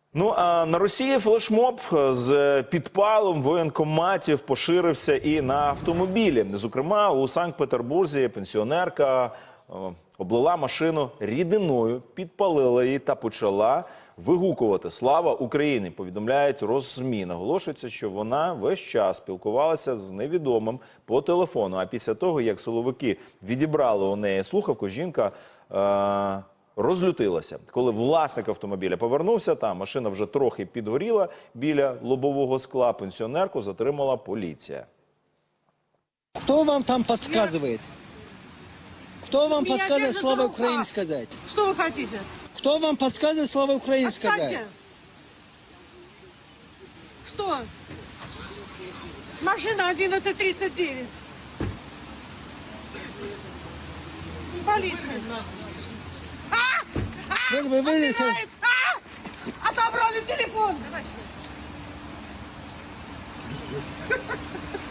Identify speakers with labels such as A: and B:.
A: Ну, а на Росії флешмоб з підпалом воєнкоматів поширився і на автомобілі. Зокрема, у Санкт-Петербурзі пенсіонерка облила машину рідиною, підпалила її та почала вигукувати «Слава Україні», повідомляють Росзмі. Наголошується, що вона весь час спілкувалася з невідомим по телефону. А після того, як силовики відібрали у неї слухавку, жінка розлютилася. Коли власник автомобіля повернувся, та машина вже трохи підгоріла біля лобового скла, пенсіонерку затримала поліція.
B: Кто вам там подсказывает? Кто вам подсказывает «Слава Украине» сказать?
C: Что вы хотите?
B: Кто вам подсказывает «Слава Украине» сказать?
C: Отстаньте. Что? Машина 1139. Полиция.
B: Вы вылетели.
C: Отобрали телефон.